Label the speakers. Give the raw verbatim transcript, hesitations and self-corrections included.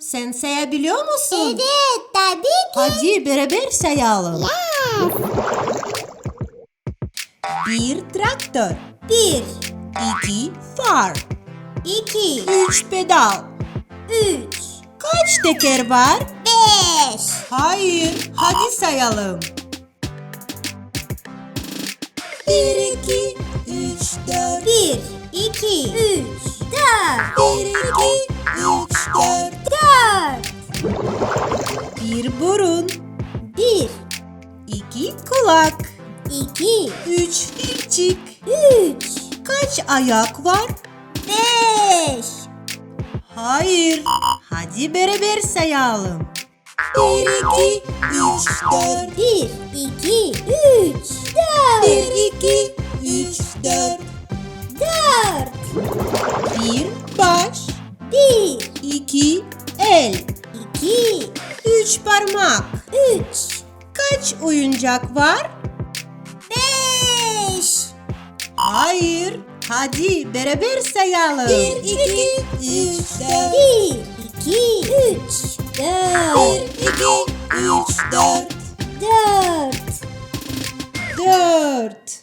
Speaker 1: sen sayabiliyor musun?
Speaker 2: Evet, tabii ki.
Speaker 1: Hadi beraber sayalım.
Speaker 2: Yes.
Speaker 1: Bir traktör.
Speaker 2: Bir,
Speaker 1: İki far.
Speaker 2: iki,
Speaker 1: Üç pedal.
Speaker 2: üç,
Speaker 1: Kaç teker var?
Speaker 2: beş.
Speaker 1: Hayır. Hadi sayalım. Bir, iki, üç, dört.
Speaker 2: Bir, iki, üç, dört.
Speaker 1: Bir, iki, üç, dört.
Speaker 2: Dört.
Speaker 1: Bir burun.
Speaker 2: Bir,
Speaker 1: İki kulak.
Speaker 2: iki,
Speaker 1: Üç filcik.
Speaker 2: üç,
Speaker 1: Kaç ayak var?
Speaker 2: beş.
Speaker 1: Hayır. Hadi beraber sayalım. Bir, iki, üç, dört.
Speaker 2: Bir, iki, üç, dört.
Speaker 1: Bir, iki, üç, dört.
Speaker 2: Dört.
Speaker 1: Bir baş.
Speaker 2: Bir,
Speaker 1: İki el.
Speaker 2: iki,
Speaker 1: Üç parmak.
Speaker 2: üç,
Speaker 1: Kaç oyuncak var?
Speaker 2: beş.
Speaker 1: Hayır. Hadi beraber sayalım.
Speaker 2: Bir, iki,
Speaker 1: üç, dört.
Speaker 2: Bir, iki, üç, dört.
Speaker 1: Bir, iki, üç, dört.
Speaker 2: Dört.
Speaker 1: Dört.